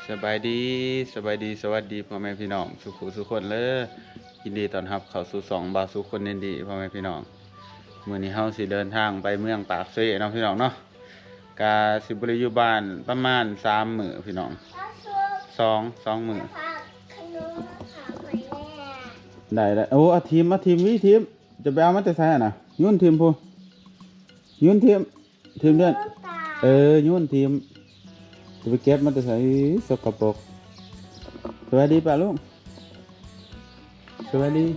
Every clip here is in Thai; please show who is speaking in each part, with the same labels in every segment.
Speaker 1: สบายดีสวัสดีพ่อแม่พี่น้องสุขคนเลยยินดีต้อนรับเข้าสู่2บาสุคนเน้นดีพ่อแม่พี่น้องมื้อนี้เฮาสิเดินทางไปเมืองปากเซ่เนาะพี่น้องเนาะกาสิบ่ได้อยู่บ้านประมาณ3มื้อพี่น้อง2มื้อได้โอ้เอาทีมวิทีมจะไปเอามาแต่ไสน่ะยุ่นทีมพูยุ่นทีมเดือนยุ่นทีมจะไปเก็บมันจะใส่สกปรกสวัสดีป่ะลุงสวัสดี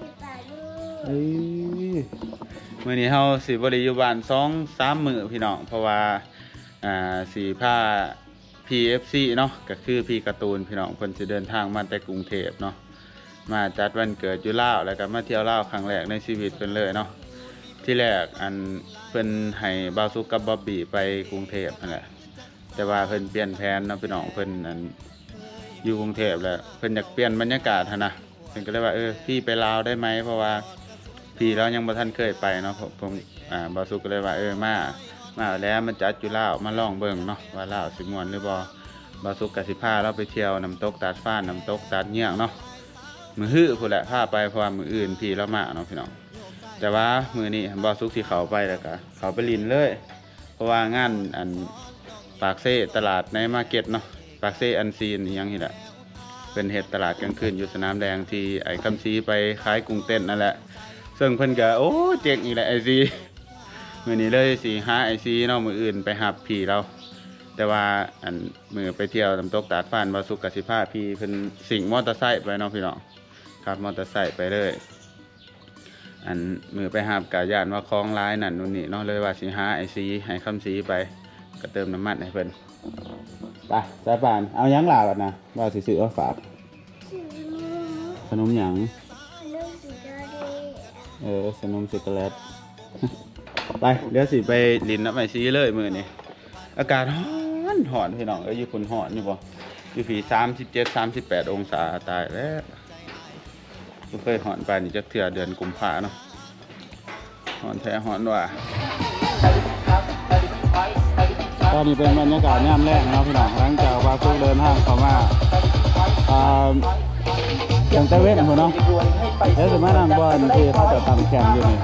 Speaker 1: มื้อนี้เฮาสิบ่ได้อยู่บ้าน2-3 มื้อพี่น้องเพราะว่าสิพา PFC เนาะก็คือพี่การ์ตูนพี่น้องเพิ่นสิเดินทางมาแต่กรุงเทพเนาะมาจัดวันเกิดอยู่ลาวแล้วก็มาเที่ยวลาวครั้งแรกในชีวิตเพิ่นเลยเนาะที่แรกเพิ่นให้บ่าวสุกกับบ๊อบบี้ไปกรุงเทพนั่นแหละแต่ว่าเพิ่นเปลี่ยนแผนเนาะพี่น้องเพิ่นอยู่กรุงเทพแล้วเพิ่นอยากเปลี่ยนบรรยากาศนะเพิ่นก็เลยว่าพี่ไปลาวได้ไหมเพราะว่าพี่เรายังบ่ทันเคยไปเนาะผมบ่าวสุกก็เลยว่ามาแล้วมันจัดอยู่ลาวมาลองเบิ่งเนาะว่าลาวสิม่วนหรือบ่บ่าวสุกก็สิพาเราไปเที่ยวน้ำตกตาดฟ้านน้ำตกตาดเงี้ยงเนาะมื้อฮื้อพุ่นแหละพาไปเพราะว่ามื้ออื่นพี่เรามาเนาะพี่น้องแต่ว่ามื้อนี้บ่าวสุกสิเข้าไปแล้วก็เข้าไปลินเลยเพราะว่างานปากเซ่ตลาดในมาร์เก็ตเนาะปากเซ่อันซีนอีหยังนี่แหละเป็นเฮ็ดตลาดกลางคืนอยู่สนามแดงที่ไอ้คำซีไปขายกุ้งเต้นนั่นแหละซึ่งเพิ่นก็โอ้เจ๋งอีแหละไอซีมื้อนี้เลยสิหาไอซีเนาะมื้ออื่นไปหับพี่เราแต่ว่ามื้อไปเที่ยวน้ำตกตาดฟ้านบ่สุกสิพาพี่เพิ่นสิงมอเตอร์ไซค์ไปเนาะพี่น้องขับมอเตอร์ไซค์ไปเลยมื้อไปหับก็ย่านว่าคลองหลายนั่นนู่นนี่เนาะเลยว่าสิหาไอซีให้คำซีไปก็เติมน้ำมันให้เพิ่นไปสายป่านเอายังหลาบัดนะว่าสิซื้อเอาฝากขนมหยังขนมช็อกโกแลตไปเดี๋ยวสิไปลินน้ำไอซีเลยมื้อนี้อากาศร้อนพี่น้องอยู่พุ่นร้อนอยู่บ่อยู่พี่37-38องศาตายแล้วบ่เคยร้อนปานนี้จักเทื่อเดือนกุมภาเนาะร้อนแท้ร้อนว่ะตอนนี้เป็นบรรยากาศยามแรกนะครับพี่น้องหลังจากว่าสุกเดินทางเข้ามาอย่างตะเวนหัวน้องแล้วจะมานั่งบอลที่เขาจะทำแข่งอยู่นี่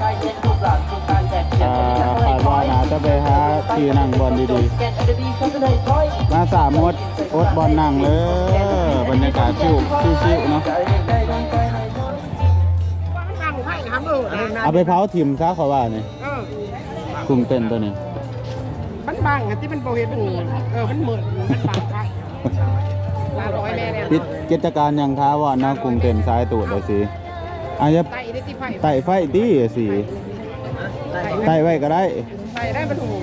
Speaker 1: คาดว่าน่าจะไปหาที่นั่งบอลดีๆมา3 มดอดบอลนั่งเลยบรรยากาศชิวๆเนาะเอาไปเผาถิ่มซะเขาว่านี่กลุ่มเต้นตัวนี้
Speaker 2: มันบางที่มันโปรเฮ็ดมันมันเหมือนมันบางไปลาร้อยแม่เนี่ย
Speaker 1: ปิดกิจการยังท้าว่านะกรุงเต็มซ้ายตูดเลยสิอาจจะไต่ไฟตีสิไต่ไว้ก็ได้
Speaker 2: ไต่ได้มันถูก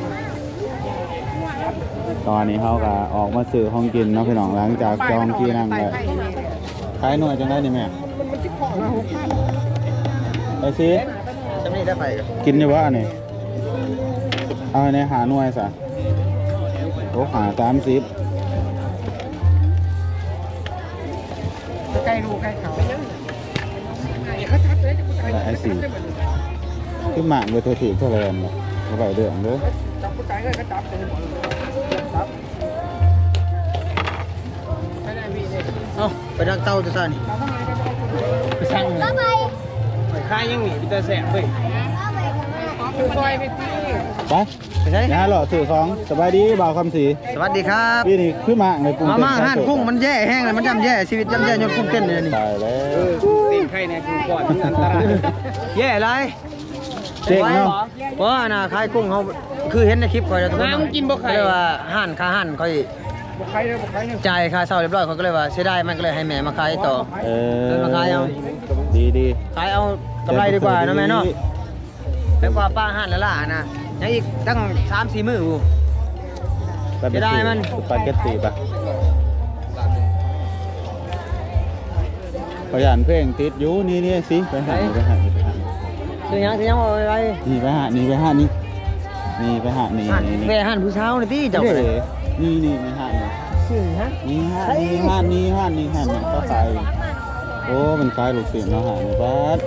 Speaker 1: ตอนนี้เขาก็ออกมาซื้อของกินเนาะพี่น้องหลังจากจองที่นั่งเลยขายหน่วยจังได้นี่แม่
Speaker 2: มันคิดของนะ
Speaker 1: ไอ้สิ
Speaker 2: จะไม่ได้ไป
Speaker 1: กินอยู่วะนี่เอาในหาหน่วยซะโอ้หา30
Speaker 2: ใกล้รูใกล้เขาเขาชัดเลย
Speaker 1: ไอ้สิคือหมากเลยถือเท่าไรกันมาไปเดือดเด้อ
Speaker 2: จับผู้ชายก็จับเลยจับไม่ได้พี่เลย
Speaker 3: ไปดังเต้าจะสั่น
Speaker 2: ไปสั่งไปค่ายยังหนีไปเตะแสบเลยคือซอยไปที่
Speaker 1: ไปใช่นะหล่อสื่อของสบายดีบ่าวคำศรี
Speaker 3: สวัสดีครับ
Speaker 1: พี่นี่ขึ้นมาในกรุงเทพ
Speaker 3: มาห่านกุ้งมันแย่แห้งเลยมันย่ำแย่ชีวิตย่ำแย่ยนกุ้งเต้นเลยนี่
Speaker 1: ตายแล้ว
Speaker 2: ตีนไข่ในกุ้งก่อนอันตราย
Speaker 3: แย่ไร
Speaker 1: เจ๊งเนาะ
Speaker 3: เพราะน่ะขายกุ้งเขาคือเห็นในคลิปคอยทุกคน
Speaker 2: น้ำกินบ่ไข่
Speaker 3: เลยว่าห่านค่าห่านคอย
Speaker 2: บ่ไข่เลยบ่ไข่เลย
Speaker 3: จ่ายค่าเช่าเรียบร้อยเขาก็เลยว่าเสียดายมันก็เลยให้แม่มาขายต่อมาขายเอา
Speaker 1: ดี
Speaker 3: ขายเอากำไรดีกว่านะแม่เนาะแล้วกว่าป้าห่านแล้วล่ะนะยังอีกตั้ง3-4 มื้ออยู่จะได้มัน
Speaker 1: สปาเกตตีป่ะขยันเพลงติดอยู่นี่สิไปหา
Speaker 3: ซื้อยังอะไร
Speaker 1: นี่ไปหานี่ไปหานี่ไปหานี่
Speaker 3: ไปหาผู้เช้านี่ที่เจ้า
Speaker 1: นี่ไปหานี่
Speaker 3: ซื้อฮะ
Speaker 1: นี่ห้านี่ก็ขายโอ้มันขายลูกศิษย์เนาะหานี่บัด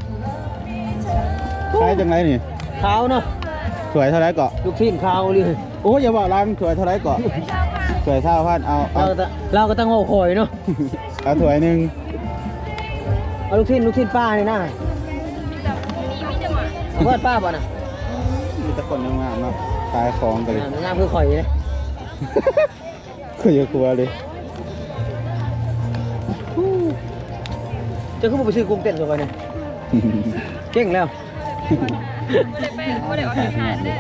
Speaker 1: ขายจังไรนี่
Speaker 3: ขาวเนาะ
Speaker 1: สวยเท่าไรเกาะ
Speaker 3: ลูกทีมขาวเลย
Speaker 1: โอ้ยอย่าบอกรังถ้วยเท่าไรก่อนถ้วยเท่าพันเอา
Speaker 3: เราก็ต้องโง่คอยเนาะ
Speaker 1: เอาถ้วยหนึ่ง
Speaker 3: เอาลูกชิ้นป้านี่นะเอาเพื่อนป้าป่ะนะ
Speaker 1: มีแต่คนงามๆเนาะขายของกันเลย
Speaker 3: งามคือข่อยเลย
Speaker 1: คืออย่ากลัวเลย
Speaker 3: จะขึ้นมาไปซื้อกุ้งเต้นก่อนเนี่ยเก่งแล้ว
Speaker 4: ไม่ได้ออกทหารเลย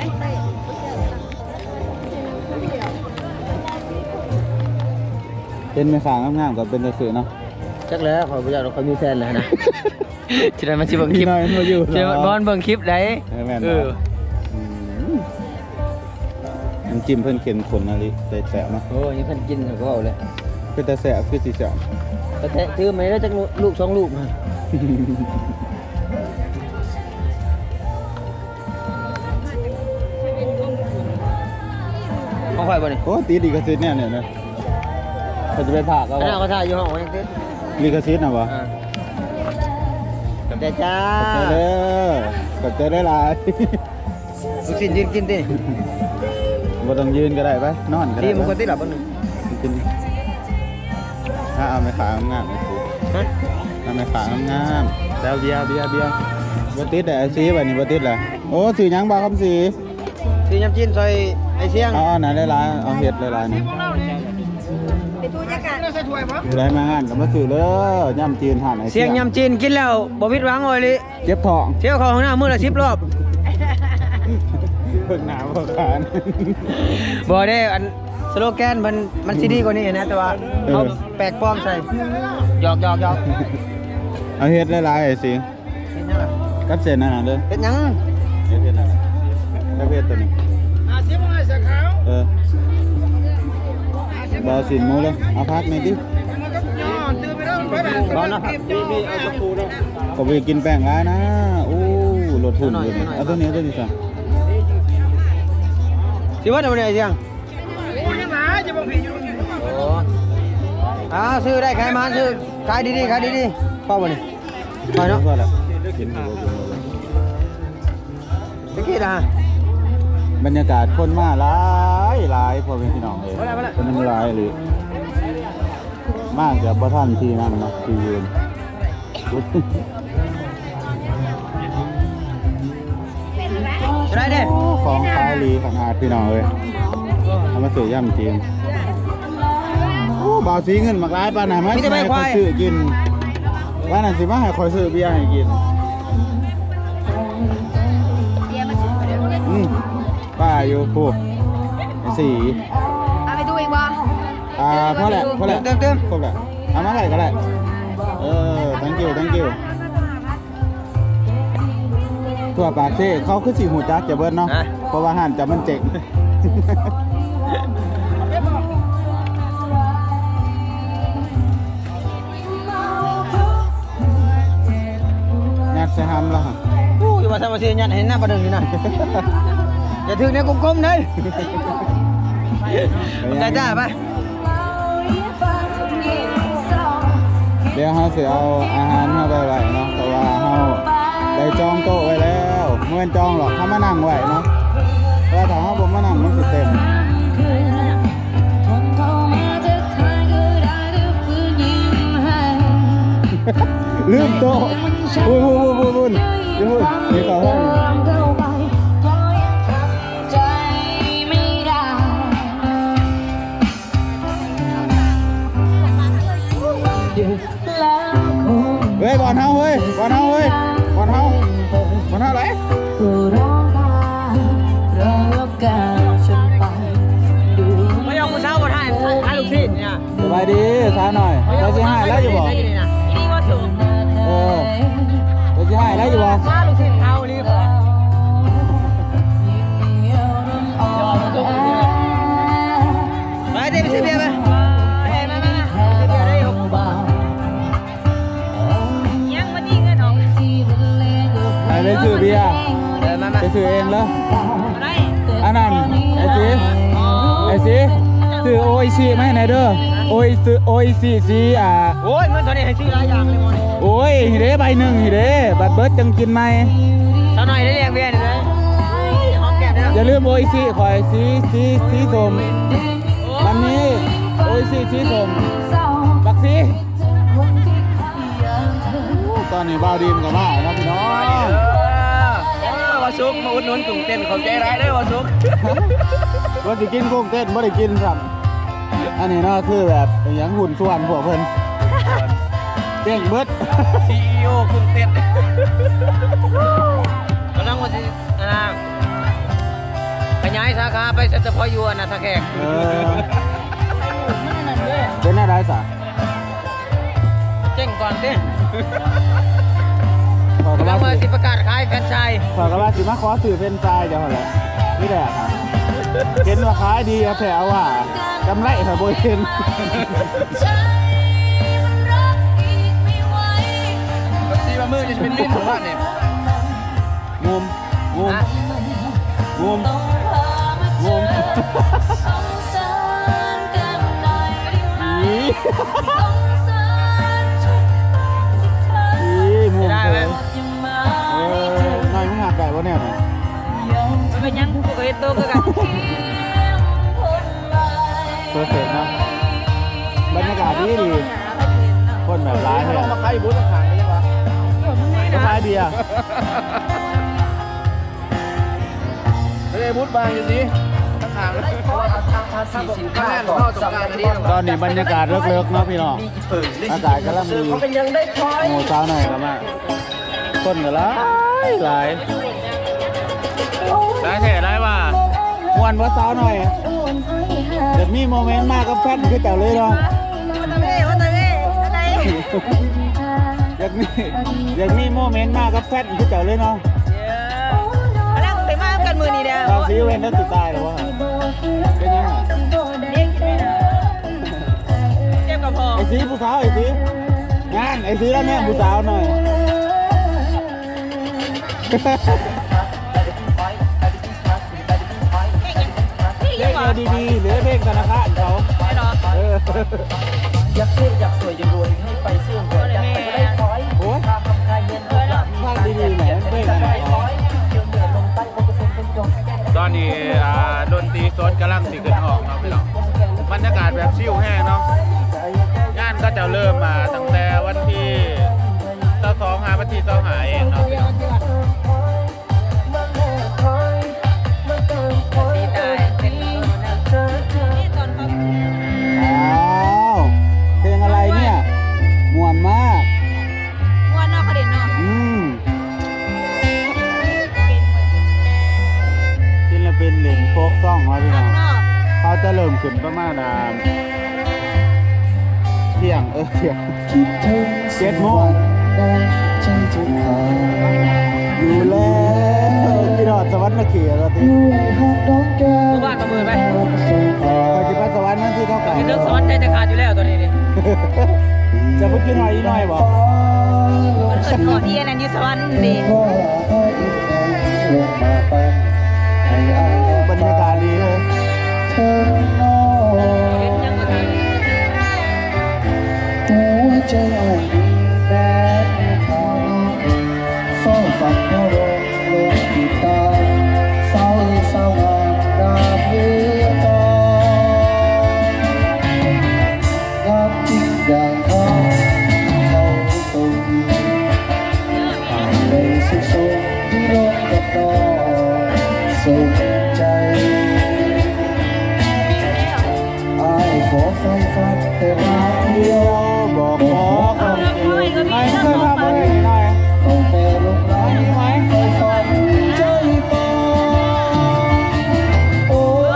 Speaker 1: เป็นแม่ค้างามๆกับเป็นตะสือเนาะ
Speaker 3: จักแล้วขอยบ่อยากเราเขามีแฟนแล้วนะฉะนั้นมันสิเบิ่งคลิป
Speaker 1: น้อยมันมาอยู่
Speaker 3: ฉะนั้นบอลเบิ่งคลิปได้
Speaker 1: แม่นบ่น้ำจิ้มเพิ่นเค็มข้นอะไรได้แสบเนาะ
Speaker 3: โอ้ยนี่เพิ่นกินเขาก็เอาเลย
Speaker 1: คือแต่แสบคือสิแสบ
Speaker 3: แต่แท้ถือมาได้จักลูก2ลูกมาของข่อยบ่นี่
Speaker 1: โอ้ตีลิขสิทธิ์เนี่ยนะเขาจะไปผากเอา
Speaker 3: อันนั้นเขาถ่ายอยู่ห้องไว้ยังติด
Speaker 1: ลิขสิทธิ์นะบ่
Speaker 3: แต่จ้า
Speaker 1: ขอบใจได้หลาย
Speaker 3: ลูกชิ้นยืนกินติ
Speaker 1: บ่ต้องยืนก็ได้ไปนอนก็ได้
Speaker 3: ดีมันก็ติดหลับบ่นึง
Speaker 1: กินถ้าเอาไปขายงามๆสิ
Speaker 3: ฮะ
Speaker 1: เอาไปขายงามๆแล้วเบียร์บ่ติดแต่ไอ้สีบัดนี้บ่ติดล่ะโอ้สีหยังบ่คำสี
Speaker 3: สิยำจีนซอยไอ้เสียง
Speaker 1: เอาไหนได้หลายเอาเฮ็ดหลายๆนี่
Speaker 4: เป็นผู้จัดการ
Speaker 1: ได้มางานก็มาซื้อเลยย่ำจีนหั่นไอ้
Speaker 3: เสียงยำจีนกินแล้วบ่ผิดหวังเลยลิ
Speaker 1: เจ็บท้อง
Speaker 3: เที่ยวเข้าห้องน้ำมื้อละ10รอบ
Speaker 1: เพิ่งหนาวบ่ขาน
Speaker 3: บ่ได้อันสโลแกนมันสิดีกว่านี้นะแต่ว่าเขาแปลกปลอมใส่หยอก
Speaker 1: เอาเฮ็ดหลายๆไอ้สิ
Speaker 3: เป็นยังล่ะ
Speaker 1: กับเส้นนั่นน่ะเด้อ
Speaker 3: เป็นหยัง
Speaker 1: เฮ็ดนั่นน่ะกับเฮ็ดตัวนี้บ่สินหมูเลยเอาพักหน่อยดิ
Speaker 3: บ่เนาะ
Speaker 1: ก็ไปกินแป้งร้ายนะโอ้รถทุนอยู่นี่เอาตัวนี้เอาตัวนี้ซะ
Speaker 3: สิว่าได้บ่ได้เสียงโอ้ซื้อได้ขายมาซื้อขายดีๆพอบ่นี่พอเนาะ
Speaker 1: พอแล้วกินอยู่บ่
Speaker 3: ตะกี้น่ะ
Speaker 1: บรรยากาศคนมาหลายพ่อแม่พี่น้องเอ้ยคนมันหลายหรือมากกับบ่ทันที่นั่นเนาะที่ยืน
Speaker 3: ได้เด้
Speaker 1: ของขายลีของอาดพี่น้องเอ้ยเอามาซื้อย่ำจีนโอ้บ่าวสีเงินมากหลายปานน่ะมาให้คอยซื้อกินว่านั่นสิมาให้คอยซื้อเบียร์ให้กิน
Speaker 4: เบียร์มาซื้อเดี๋ยว
Speaker 1: ป้าอยู่ผู้สี
Speaker 4: เอาไปดูอีกวะ
Speaker 1: พอแหละ
Speaker 3: เติม
Speaker 1: ครบแหละเอามาไหนก็ได้thank you ทั่วปากเซ่เขาคือสีหูจักจะเบิ้ลเนาะเพราะว่าหันจะมันเจ๋งยัดใส่หำแล้ว
Speaker 3: อู้ยว่าซะว่าสิยัดให้หน้าประเด็นนี่นะอย่าถึงเนี่ยกลมๆเด้ได้จ้าไป
Speaker 1: เดี๋ยวเขาสิเอาอาหารเข้าไปไว้เนาะเพราะว่าเขาได้จองโต๊ะไว้แล้วเมื่อจองหรอกเขามานั่งไว้เนาะเพราะว่าถ้าเขาบ่มานั่งมันสิเต็มลืมโต๊ะบุญนี่เขาให้ เฮ้ยบอลเฮาเฮ้ยบอลเฮาไหน
Speaker 3: ไม่ยอมกูเช้าบ่ได้ให้ลูกศิษย์เนี่ย
Speaker 1: สบายดีช้าหน่อยเราจะให้แล้วอยู่บ่
Speaker 3: นี่ว่าสูง
Speaker 1: เราจะให้แล้วอยู่บ่
Speaker 3: มาลูกศิษย์เอานี่พอไปเดี๋ยวไปซื้อเบียร์ไปมาซื้อเบียร์ได้อยู่
Speaker 4: ยังวันนี้เงินออก
Speaker 1: ให้ได้ซื้อเบียร์
Speaker 3: มา
Speaker 1: ไปซื้อเองแล้ว
Speaker 4: ได้
Speaker 1: อันนั้นไอ้สีซื้อโออิชิไหมไหนเด้อโออิชิสี
Speaker 3: โอ้ยเงินตอนนี้ให้ซื้อหลายอย่างเลยมั้ง
Speaker 1: โอ้ยฮิเด้ใบหนึ่งฮิเด้บัตรเบิร์ดจังกินไหม
Speaker 3: เท่าหน่อยได้เรียกเบียร์เลยหอมแก้มได้
Speaker 1: อย่าลืมโออิชิคอยสีส้มวันนี้โออิชิสีส้มบักซีตอนนี้บ่าวดินกับมาแล้วพี่น้อง
Speaker 2: วาซุกมาอุดหนุนกลุ่มเต้นของใจร้ายได้วาซุก
Speaker 1: ว่าจะกินกุ้งเต้นไม่ได้กินครับอันนี้เนาะคือแบบเป็นอย่างหุ่นส่วนพวกเพิ่นเต้งเบิด
Speaker 2: CEO กลุ่มเต้น
Speaker 3: กำลังว่าสิขยายสาขาไปเฉพาะอยู่อันนะท่าแขก
Speaker 1: เป็นอะไรสะ
Speaker 3: เจ๊งก่อนเต้
Speaker 1: ขอกระ
Speaker 3: กำลั
Speaker 1: บาง
Speaker 3: ว่าสิประกาศขายแฟรนไชส์
Speaker 1: ขอกระบาสิมาขอสื่อเป็นทรายเดี๋ยวแหละนี่แหละครับเห็นว่าขายดีเอาแถวว่ากำไรค่ะโบเห็น
Speaker 2: ซีมามือจะเป็นลิ้นของบ้านเนี่ย
Speaker 1: งุมงุมงุมงุมอีงุม
Speaker 3: ได้ไหม
Speaker 1: นายมึงหักไก่วะเนี่ย
Speaker 3: มันเป็นยังกูก็เห็นตัวกัน
Speaker 1: เพอร์เฟกต์นะบรรยากาศดีดีคนแบบร้ายเลย
Speaker 2: มาขายบูธขายยังวะ
Speaker 1: ก็ขายเบียร์
Speaker 2: ไม่ได้บูธบางอยู่สิขางเลยข้างแน่นเข้าตรงกลางนี้
Speaker 1: ตอนนี้บรรยากาศเลิกๆเนาะพี่น้องอากาศกำลังดีหมูสาวหน่อยกันมากคนก็ร้ายหลายแท้ได้ว่ามวนว่าสาวหน่อยเดี๋ยวมีโมเมนต์มากกับแฟนคือเจ้าเลยเนาะอยากมีโมเมนต์มากกับแฟนคือเจ้าเลยเนาะ
Speaker 4: แล้วไปมากันมือนี่เด้อ
Speaker 1: เราซีเวนได้สุดตายหรือวะเป็นยังไง
Speaker 4: เจ็บกับพอ
Speaker 1: ไอ้ซีผู้สาวไอ้ซีงานไอ้ซีแล้วเนี่ยผู้สาวหน่อยเลขเอาดีๆหรือเลขธนาคารเขา
Speaker 4: ไม่หรอ
Speaker 2: อยากเท่อยากสวยอยากรวยให้ไปเสื่อมเกิดอยากไปได้คอย
Speaker 1: โอ้ย
Speaker 2: ทำกายเย็นทุกอย่าง
Speaker 1: ภาคดีๆแหมเลขอะไร
Speaker 2: ตอนนี้ดนตรีสดกำลังสิขึ้นออกเนาะพี่น้องบรรยากาศแบบชิลแห้งเนาะงานก็จะเริ่มมาตั้งแต่วันที่22วันที่25เองเนาะพี่น้อง
Speaker 4: สีตายเป็นนี่ตอนเขา
Speaker 1: อ้าวเพลงอะไรเนี่ยม่วนมาก
Speaker 4: วันนอกเขาเด่นเนาะ
Speaker 1: ศิลปินเล่นโฟกซ่องมาพี่น้อง
Speaker 4: นอก
Speaker 1: เขาจะเริ่มขึ้นประมาณเที่ยงเที่ยง7 โมงอยู่แล้วพี่ดอดสวรรค์มาเขียแล้วที
Speaker 3: ตัวบ้านประเมินไป
Speaker 1: ปัจจุบันสวรรค์นั่นที่เท่ากัน
Speaker 3: กินเรื่องสวรรค์ใจจะขาดอยู่แล้วตัวนี้นี่
Speaker 1: จะไปกินหอยอีกหน่อยบอก
Speaker 4: เกิดก่อนที่อันนั้นอยู่สวรรค์ดี
Speaker 1: บรรยากาศดีเลย
Speaker 3: ยังก็ทำ
Speaker 5: หัวใจอ่อนแบบทางเฝ้าฝันเมื่อลงกีตาร์เศร้าเศร้างามดาบเรือต่องามจริงอย่างเขาเขาตรงในสุขสมที่ลงกับน้องสุขใจอายขอไฟฟัดแต่ว่าเดียว
Speaker 1: บอกขอคนเดียวไม่เคยทำอะไรหน่อย
Speaker 5: ต้องแต่ลงไหลไปฝันใจปองโอ้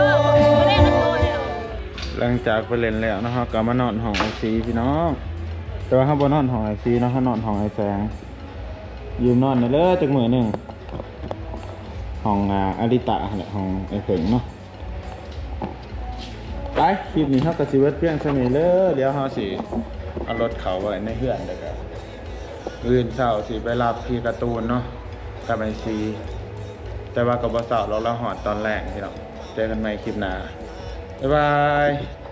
Speaker 1: หลังจากไปเล่นแล้วนะครับก็มานอนห้องไอซีพี่น้องแต่ว่าเขาบนนอนห้องไอซีเนาะเขานอนห้องไอแสงยืมนอนเลยจักมือหนึ่งห้องอาริตะแหละห้องไอเถิงเนาะไปคลิปนี้เขากระซิบเพียงเท่านี้เลยเดี๋ยวเขาสิเอารถเขาไว้ในเฮือนเลยครับอื่นเสาร์สิไปรับพี่การ์ตูนเนาะกับไอซีแต่ว่ากับบเสาร์เราหอดตอนแรกพี่น้องเจอกันใหม่คลิปหน้าบ๊ายบาย